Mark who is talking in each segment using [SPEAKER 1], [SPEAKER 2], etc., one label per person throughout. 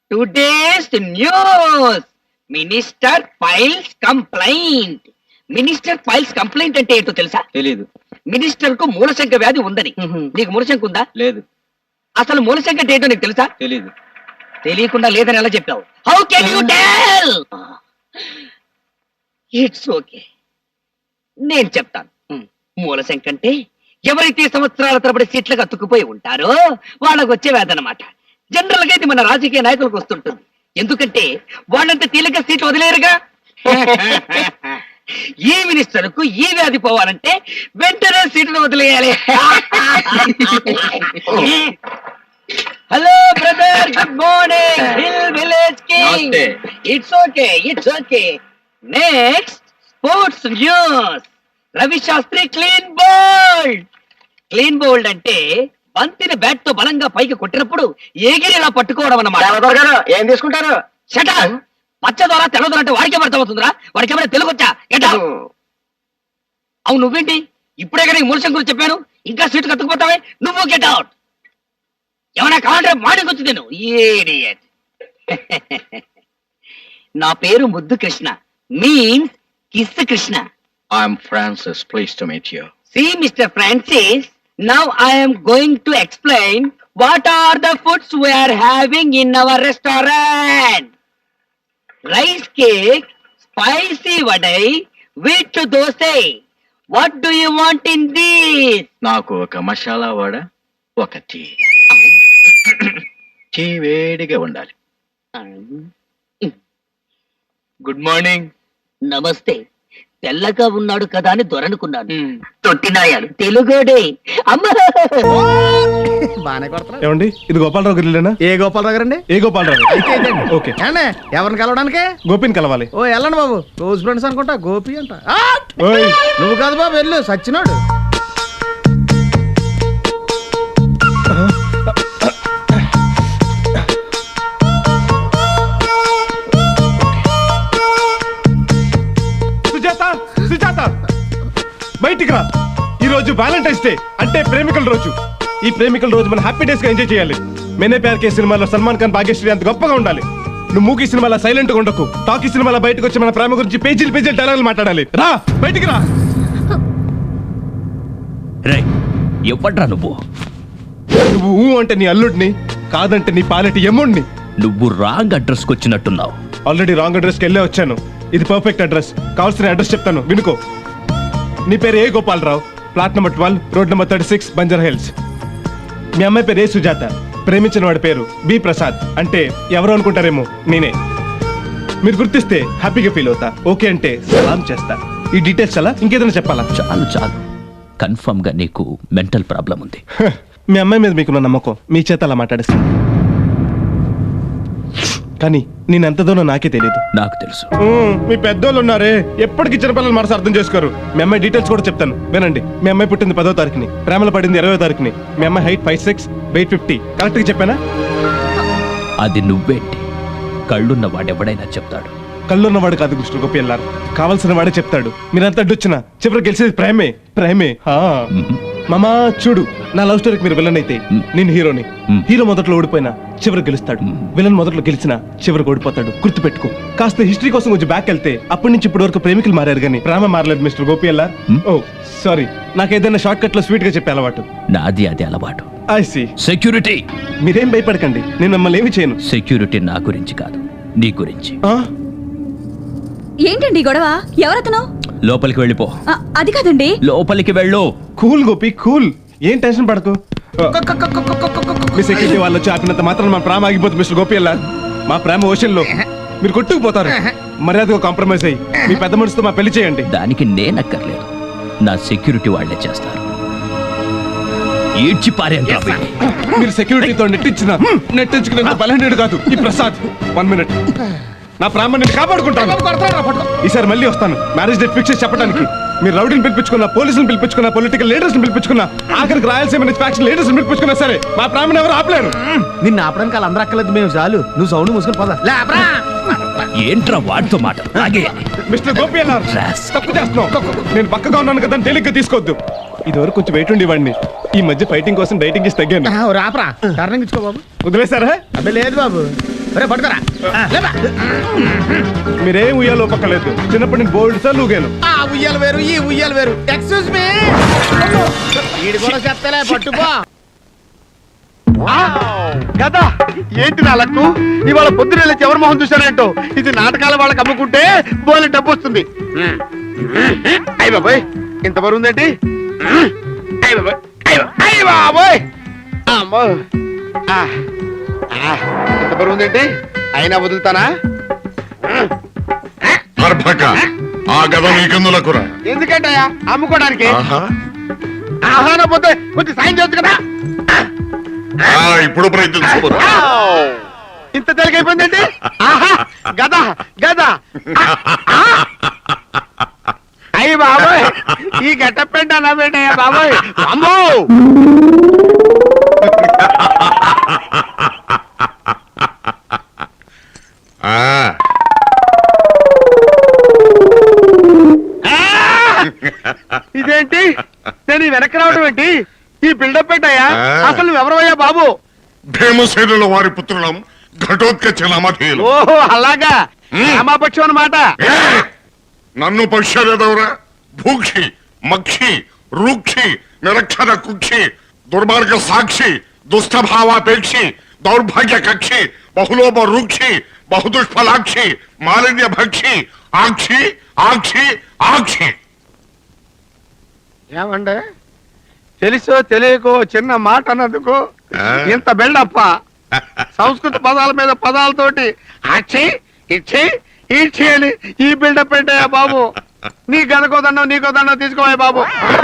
[SPEAKER 1] Today's news minister files complaint. Minister files complaint అంటే ఏంటో తెలుసా?
[SPEAKER 2] తెలీదు.
[SPEAKER 1] మినిస్టర్ కు మూలశంక వ్యాధి ఉందని. నీకు మూలశంక ఉందా?
[SPEAKER 2] లేదు.
[SPEAKER 1] అసలు మూలశంక అంటే ఏంటో నీకు తెలుసా?
[SPEAKER 2] తెలీదు.
[SPEAKER 1] తెలియకుండా లేదని ఎలా చెప్పావు? How can you tell? It's okay, నేను చెప్తాను. మూలశంక అంటే ఎవరైతే సంవత్సరాల తరబడి సీట్లకు అతుక్కుపోయి ఉంటారో వాళ్ళకు వచ్చే వ్యాధి అన్నమాట. జనరల్ గా ఇది మన రాజకీయ నాయకులకు వస్తుంటుంది. ఎందుకంటే వాళ్ళంతా తేలిక సీట్లు వదిలేరుగా. ఈ మినిస్టర్ కు ఈ వ్యాధి పోవాలంటే వెంటనే సీట్లు వదిలేయాలి. Hello brother, good morning. Hill village king. It's okay, it's okay. Next sports news. Ravi Shastri clean bowled. Clean bowled అంటే బంతిని బ్యాట్ తో బలంగా పైకి కొట్టినప్పుడు ఎగిరిలా పట్టుకోవడం అన్నమాట.
[SPEAKER 3] ఏం తీసుకుంటారు?
[SPEAKER 1] షట. పచ్చ ద్వారా తెల్ల ద్వారా అంటే వాడికే అర్థమవుతుందిరా? వాడికి ఏమైనా తెలుగు వచ్చా? అవును, నువ్వేంటి ఇప్పుడే కానీ మూలశం గురించి చెప్పాను, ఇంకా సీటు కత్తుకుపోతావే? నువ్వు గెట్ అవుట్. ఏమైనా కావాలంటే మాటకు వచ్చి నేను ఇడియట్. నా పేరు Muddu Krishna, means kiss Krishna.
[SPEAKER 2] I'm Francis. Pleased to meet you.
[SPEAKER 1] See, Mr. Francis, now I am going to explain what are the foods we are having in our restaurant. Rice cake, spicy vadai, wheat dosai. What do you want in this?
[SPEAKER 2] నాకు ఒక మసాలా వడ, ఒక tea. Tea వేడిగా ఉండాలి. Good morning.
[SPEAKER 1] నమస్తే. తెల్లగా ఉన్నాడు కదా అని దొరనుకున్నాను. తొట్టినాయాలు తెలుగుడే. అమ్మా,
[SPEAKER 3] బానే కొడతారు.
[SPEAKER 4] ఏమండి, ఇది గోపాలరావు గారిలేనా?
[SPEAKER 3] ఏ గోపాలరావు గారండి?
[SPEAKER 4] ఏ గోపాలరావు? ఓకే.
[SPEAKER 3] ఎవరిని కలవడానికి?
[SPEAKER 4] గోపిని కలవాలి.
[SPEAKER 3] ఓ వెళ్ళండి బాబు, క్లోజ్ ఫ్రెండ్స్ అనుకుంటా. గోపి అంట.
[SPEAKER 4] ఓయ్,
[SPEAKER 3] నువ్వు కాదు బాబు, వెళ్ళు, సచ్చినాడు.
[SPEAKER 4] సుజాత, సుజాత, బయటికి రా. ఈ రోజు వ్యాలంటైన్స్ డే, అంటే ప్రేమికుల రోజు. ఈ ప్రేమికుల రోజు మనం హ్యాపీ డేస్ గా ఎంజాయ్ చేయాలి. మేనే ప్యార్ కే సినిమాలో సల్మాన్ ఖాన్, భాగ్యశ్రీ అంత గొప్పగా ఉండాలి. నువ్వు మూకీ సినిమాలో సైలెంట్ గా ఉండకు. టాకీ సినిమాలో బయటకు వచ్చి మన ప్రేమ గురించి పేజీలు పేజీలు డైలాగులు మాట్లాడాలి. రా, బయటికి రా.
[SPEAKER 5] రే, ఎవడ్రా నువ్వు?
[SPEAKER 4] నువ్వు ఊ అంటే నీ అల్లుడిని, కాదంటే నీ పాలెటి ఎమ్ముడిని.
[SPEAKER 5] నువ్వు రాంగ్ అడ్రస్ కి వచ్చినట్టున్నావు.
[SPEAKER 4] ఆల్రెడీ రాంగ్ అడ్రస్కి వెళ్ళే వచ్చాను. ఇది పర్ఫెక్ట్ అడ్రస్. కావాల్సిన అడ్రస్ చెప్తాను, వినుకో. నీ పేరు A Gopalarao, plot number 12, road number 36, Banjara Hills. మీ అమ్మాయి పేరు ఏ సుజాత, ప్రేమించిన వాడి పేరు బి ప్రసాద్. అంటే ఎవరు అనుకుంటారేమో, నేనే. మీరు గుర్తిస్తే హ్యాపీగా ఫీల్ అవుతా. ఓకే అంటే సలాం చేస్తా. ఈ డీటెయిల్స్ అలా ఇంకేదైనా చెప్పాలా?
[SPEAKER 5] చాలు చాలు, కన్ఫర్మ్ గా నీకు మెంటల్ ప్రాబ్లం ఉంది.
[SPEAKER 4] మీ అమ్మాయి మీద మీకున్న నమ్మకం మీ చేత అలా మాట్లాడేస్తాను. కానీ నేను ఎంత దూరం నాకే తెలియదు.
[SPEAKER 5] నాకు తెలుసు.
[SPEAKER 4] మీ పెద్దోళ్ళు ఉన్నారే, ఎప్పటికీ చిన్నపిల్లలు మనసు అర్థం చేసుకోరు. మీ అమ్మాయి డీటెయిల్స్ కూడా చెప్తాను, వినండి. మీ అమ్మాయి పుట్టింది 10వ తారీఖుని, ప్రేమలో పడింది 20వ తారీఖుని. మీ అమ్మాయి హైట్ 5'6", వెయిట్ 50. కరెక్ట్ గా చెప్పానా?
[SPEAKER 5] అది నువ్వేంటి? కళ్ళున్న వాడెవడైనా చెప్తాడు.
[SPEAKER 4] కళ్ళున్నవాడు కాదు కృష్ణ గోపి ఎల్లారు, కావాల్సిన వాడే చెప్తాడు. మీరంతా అడ్డొచ్చినా చివరికి గెలిచేది ప్రేమే. ప్రేమే. మామా చూడు, నా లవ్ స్టోరీకి మీరు విలన్ అయితే నేను హీరోని. హీరో మొదట్లో ఓడిపోయినా చివరికి గెలుస్తాడు. విలన్ మొదట్లో గెలిచినా చివరికి ఓడిపోతాడు. గుర్తు పెట్టుకో. కాస్త హిస్టరీ కోసం కొంచెం బ్యాక్ వెళ్తే అప్పటి నుంచి ఇప్పటి వరకు ప్రేమికులు మారారు కానీ ప్రేమ మారలేదు మిస్టర్ గోపి ఎల్లార్. ఓ సారీ, నాకు ఏదైనా షార్ట్ కట్ లో స్వీట్ గా చెప్పే అలవాటు.
[SPEAKER 5] నాది అది అలవాటు.
[SPEAKER 4] I see.
[SPEAKER 5] సెక్యూరిటీ.
[SPEAKER 4] మీరేం భయపడకండి, నేను మిమ్మల్ని ఏమి చేయను.
[SPEAKER 5] సెక్యూరిటీ నా గురించి కాదు, నీ గురించి.
[SPEAKER 6] ఏంటండి గొడవ? ఎవరతను?
[SPEAKER 5] లోపలికి వెళ్ళిపో.
[SPEAKER 6] అది కాదండి.
[SPEAKER 5] లోపలికి వెళ్ళు.
[SPEAKER 4] Cool Gopi, cool. ఏం టెన్షన్ పడకు. మీ సెక్యూరిటీ వాళ్ళు వచ్చి ఆపినంత మాత్రం మా ప్రేమ ఆగిపోతుంది మిస్టర్ గోపి ఎల్లార్. మా ప్రేమ ఓషన్ లో మీరు కొట్టుకుపోతారు. మర్యాదగా కాంప్రమైజ్ అయ్యి మీ పెద్ద మనిషితో మా పెళ్లి చేయండి.
[SPEAKER 5] దానికి నేనక్కర్లేదు, నా సెక్యూరిటీ వాళ్లే చేస్తారు. ఈడ్చి పారేండి.
[SPEAKER 4] మీరు సెక్యూరిటీతో నెట్టించుకునేంత బలహీనుడు కాదు ఈ ప్రసాద్. 1 minute. నా ప్రాణాన్ని నేను కాపాడుకుంటాను. ఈసారి మళ్ళీ వస్తాను మ్యారేజ్ డేట్ ఫిక్స్ చేసి చెప్పడానికి. మీరు రౌడీని పిలిపించుకున్నా, పోలీసులు పిలిపించుకున్నా, పొలిటికల్ లీడర్స్ పిలిపించుకున్నా, ఆఖరికి రాయలసీమ నుంచి ఫ్యాక్షన్ లీడర్స్ పిలిపించుకున్నా సరే మా ప్రాణాన్ని ఎవరు ఆపలేరు.
[SPEAKER 3] నిన్ను ఆపడానికి వాళ్ళు అందరూ అక్కర్లేదు, మేము చాలు. నువ్వు సౌండ్ మూసుకొని పోదా.
[SPEAKER 5] ఏంట్రా వాడితో మాట?
[SPEAKER 4] మిస్టర్ గోపి అన్నారు, తప్పు చేస్తున్నావు. నేను పక్కగా ఉన్నాను కదా తేలిగ్గా తీసుకోవద్దు. ఇదివరకు కొంచెం వెయిట్ ఉండేవాడిని, ఈ మధ్య ఫైటింగ్ కోసం డైటింగ్ చేసి తగ్గాను.
[SPEAKER 3] రాపరా, టర్నింగ్ ఇచ్చుకో బాబు.
[SPEAKER 4] వదిలేసారా?
[SPEAKER 3] అబ్బే లేదు బాబు, పట్టుకరా
[SPEAKER 4] మీరేం ఉయ్యాలో పక్కలేదు. చిన్నప్పటి నేను బోల్డ్ సార్ లూగాను.
[SPEAKER 3] ఆ ఉయ్యాలు వేరు ఈ ఉయ్యాలు వేరు. ఎక్స్క్యూజ్ మీ, వీడి కూడా చెప్తలే పట్టుకో.
[SPEAKER 7] కదా ఏంటి నా లక్కు, ఇవాళ పొద్దున వెళ్ళి ఎవరి మొహం చూశానంటో. ఇది నాటకాల వాళ్ళకి అమ్ముకుంటే బోలే డబ్బు వస్తుంది. అయ్య బాబోయ్, ఇంత బరువు ఉందేంటి? అయ్య బాబోయ్, అయ్య బాబోయ్, అమ్మో, ఇంత బరువు ఉందేంటి? అయినా వదులుతానా?
[SPEAKER 8] ఆ గద నీకెందులకురా?
[SPEAKER 7] ఎందుకంటయ్యా? అమ్ముకోవడానికి. ఆహాన పోతే కొంచెం సాయం చేయొచ్చు కదా.
[SPEAKER 8] ఇప్పుడు ప్రయత్నించు.
[SPEAKER 7] ఇంత తెలికైపోయిందండి. ఆహా, గద గద. అయ్యి బాబోయ్, ఈ గట్టపెంట నా బేటయ్యా బాబోయ్. అమ్మో, ఇదేంటి? నేను వెనక్కి రావడం ఏంటి? ఈ బిల్డప్ పెట్టాయా? అసలు నువ్వెవరవయ్యా బాబు?
[SPEAKER 8] భీమసేనుల వారి పుత్రులం ఘటోత్కచ నామధేయులు.
[SPEAKER 7] ఓహో అలాగా, రామాపక్షం అన్నమాట.
[SPEAKER 8] నన్ను పక్షరెదవరా? భూక్షి మక్షి రూక్షి నిరక్షర కుక్షి దుర్మార్గ సాక్షి దుష్టభావాపేక్షి దౌర్భాగ్య కక్షి బహులోప రూక్షి బహుదుష్ఫలాక్షి మాలిన్య భక్షి ఆక్షి ఆక్షి ఆక్షి.
[SPEAKER 7] ఏమండే, తెలుసో తెలియకో చిన్న మాట అన్నందుకు ఇంత బిల్డప్ప. సంస్కృత పదాల మీద పదాలతోటి అక్షి ఇచ్చి ఈడ్చి అని ఈ బిల్డప్ పెట్టాయా బాబు. నీ గనకోదండం నీకోదండం తీసుకోవా బాబు.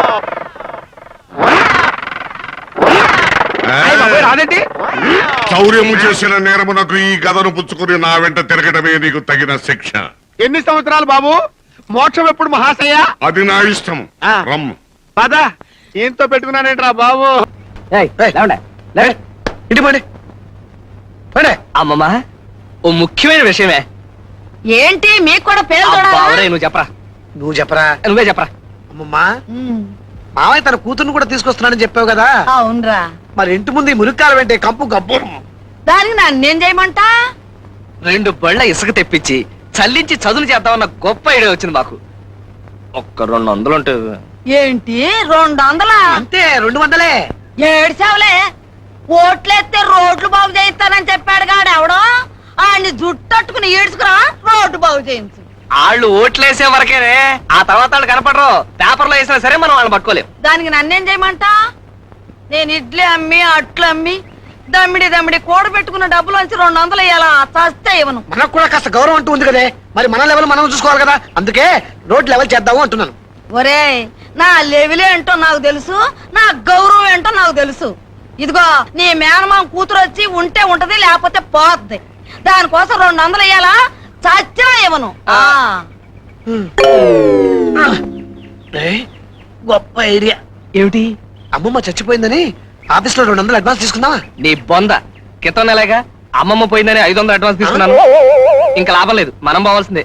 [SPEAKER 7] రాదేంటి?
[SPEAKER 8] చౌర్యము చేసిన నేరమునకు ఈ గదను పుచ్చుకుని నా వెంట తిరగటమే నీకు తగిన శిక్ష.
[SPEAKER 7] ఎన్ని సంవత్సరాలు బాబు? మోక్షం ఎప్పుడు మహాశయ?
[SPEAKER 8] అది నా ఇష్టం. రమ్ము.
[SPEAKER 7] పద, ఈయంతో పెట్టుకున్నానేంట్రా బాబు.
[SPEAKER 1] ఇటు పండి. అమ్మమ్మా, ఓ ముఖ్యమైన విషయమే.
[SPEAKER 6] ఏంటి మీకు కూడా పేరు
[SPEAKER 1] నువ్వు చెప్పరా.
[SPEAKER 3] నువ్వు చెప్పరా.
[SPEAKER 1] నువ్వే చెప్పరా.
[SPEAKER 3] అమ్మమ్మా, మామయ్య తన కూతుర్ని కూడా తీసుకొస్తున్నానని చెప్పావు కదా.
[SPEAKER 6] అవునరా,
[SPEAKER 3] మరి ఇంటి ముందు ఈ మురికాలు వెంటే కంపు గబ్బు.
[SPEAKER 6] దానికి నన్నేం చేయమంటా?
[SPEAKER 1] 2 బళ్ళ ఇసుక తెప్పించి చల్లించి చదును చేద్దామన్న గొప్ప ఐడియా వచ్చింది మాకు. ఒక్క 200 ఉంటే.
[SPEAKER 6] ఏంటి 200?
[SPEAKER 3] అంతే, 200.
[SPEAKER 6] ఏడ్చావులే. ఓట్లేస్తే రోడ్లు బాగు చేయిస్తానని చెప్పాడు గాడు ఎవడో. ఆయన్ని జుట్టట్టుకుని ఈడ్చుకురా, రోడ్డు బాగు చేయించు.
[SPEAKER 1] వాళ్ళు ఓట్లేసే వరకేనే, ఆ తర్వాత వాళ్ళు కనపడరు. పేపర్లో వేసినా సరే మనం వాళ్ళని పట్టుకోలేం.
[SPEAKER 6] దానికి నన్నేం చేయమంటా? నేను ఇడ్లీ అమ్మి అట్లు అమ్మి దమ్మిడి కూడబెట్టుకున్న డబ్బులోంచి 200 ఇయ్యాలా? చస్తే ఇవ్వను.
[SPEAKER 3] మనకు కూడా కాస్త గౌరవం అంటూ ఉంది కదే. మరి మన లెవెల్ మనం చూసుకోవాలి కదా. అందుకే రోడ్ లెవెల్ చేద్దాము అంటున్నాను.
[SPEAKER 6] ఒరే, నా లెవెల్ ఏంటో నాకు తెలుసు, నా గౌరవం ఏంటో నాకు తెలుసు. ఇదిగో నీ మేనమామ కూతురు వచ్చి ఉంటే ఉంటది, లేకపోతే పోద్ది. దానికోసం 200 ఇయ్యాలా? చచ్చినా ఇవ్వను.
[SPEAKER 3] గొప్ప ఐడియా.
[SPEAKER 1] ఏమిటి?
[SPEAKER 3] అమ్మమ్మ చచ్చిపోయిందని ఆఫీస్ లో 200 అడ్వాన్స్ తీసుకుందామా?
[SPEAKER 1] నీ బొంద. క్రితం నెలగా అమ్మమ్మ పోయిందని 500 అడ్వాన్స్ తీసుకున్నాను. ఇంకా లాభం లేదు, మనం పోవాల్సిందే.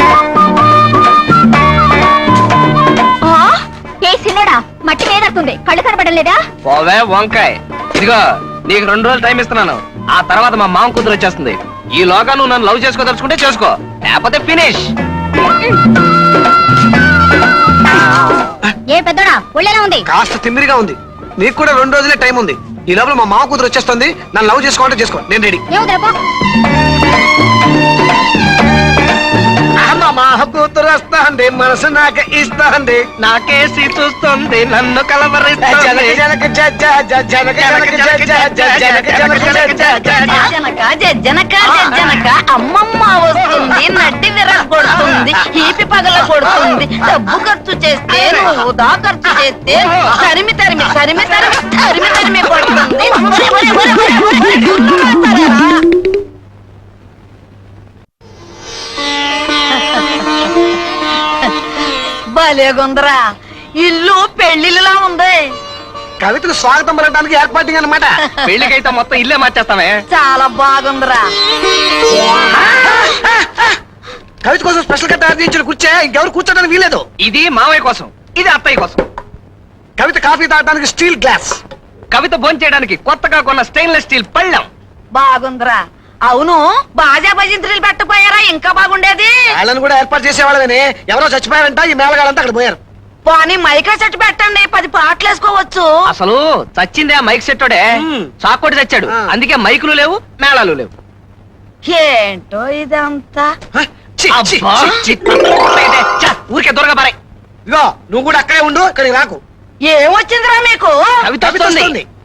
[SPEAKER 6] మట్టి వేడవుతుంది, కళ్ళు కనపడలేదా?
[SPEAKER 1] పోవే వంకాయ్. ఇదిగో నీకు 2 రోజులు టైం ఇస్తున్నాను. ఆ తర్వాత మా మామ కూతురు వచ్చేస్తుంది. ఈ లోగా నువ్వు నన్ను లవ్ చేసుకోదలుచుకుంటే చేసుకో, లేకపోతే ఫినిష్.
[SPEAKER 6] ఏ పెద్దోడా, ఒళ్ళేలా ఉంది?
[SPEAKER 3] కాస్త తిమ్మిరిగా ఉంది. నీకు కూడా 2 రోజులే టైం ఉంది. ఈ లోపల మా మామ కూతురు వచ్చేస్తుంది. నన్ను లవ్ చేసుకోవాలంటే చేసుకో, నేను రెడీ. మా కూతురు వస్తాంది, మనసు నాకు ఇస్తాంది,
[SPEAKER 1] నాకేసి చూస్తుంది, నన్ను కలవరిస్తుంది.
[SPEAKER 6] జనక జనక అమ్మమ్మ వస్తుంది, నడ్డి విరగొడుతుంది, ఈపి పగల కొడుతుంది. డబ్బు ఖర్చు చేస్తే వృధా ఖర్చు చేస్తే తరిమి తరిమి తరిమి తరిమి తరిమి తరిమి కొడుతుంది. భలేగుందరా, ఇల్లు పెళ్లిలా ఉంది.
[SPEAKER 3] కవితకు స్వాగతం పలకడానికి ఏర్పాటు అన్నమాట.
[SPEAKER 1] పెళ్లికైతే మొత్తం ఇల్లే మార్చేస్తామే.
[SPEAKER 6] చాలా బాగుందిరా.
[SPEAKER 3] కవిత కోసం స్పెషల్ గా తయారు చేయించిన కూర్చే ఇంకెవరు కూర్చోడానికి వీలేదు.
[SPEAKER 1] ఇది మావయ్య కోసం, ఇది అత్తయ్య కోసం.
[SPEAKER 3] కవిత కాఫీ తాగడానికి స్టీల్ గ్లాస్.
[SPEAKER 1] కవిత భోంచేయడానికి కొత్తగా కొన్న స్టెయిన్లెస్ స్టీల్ పళ్ళెం.
[SPEAKER 6] బాగుందిరా. అవును బాజా భజంత్రులు పెట్టపోయారా ఇంకా బాగుండేది.
[SPEAKER 3] వాళ్ళని కూడా ఏర్పాటు చేసేవాళ్ళని ఎవరో చచ్చిపోయారంట ఈ మేళగాళ్ళంతా అక్కడ పోయారు.
[SPEAKER 6] పోనీ మైకా సెట్ పెట్టండి 10 పాటలు వేసుకోవచ్చు.
[SPEAKER 1] అసలు చచ్చిందే ఆ మైక్ సెట్టోడే, చాకోటి చచ్చాడు.
[SPEAKER 3] ఆ.
[SPEAKER 1] అందుకే మైకులు లేవు, మేళాలు లేవు.
[SPEAKER 6] ఏంటో ఇదంతా.
[SPEAKER 3] హ? ఛీ, ఛీ,
[SPEAKER 1] అబ్బా.
[SPEAKER 3] ఛీ, ఛీ.
[SPEAKER 1] ఛ, ఊరికే దూరగా పారాయ్.
[SPEAKER 3] ఇదిగో నువ్వు కూడా అక్కడే ఉండు, ఇక్కడికి రాకు.
[SPEAKER 6] ఏమొచ్చిందిరా మీకు?
[SPEAKER 1] కవిత వస్తుంది.
[SPEAKER 3] వస్తుంది.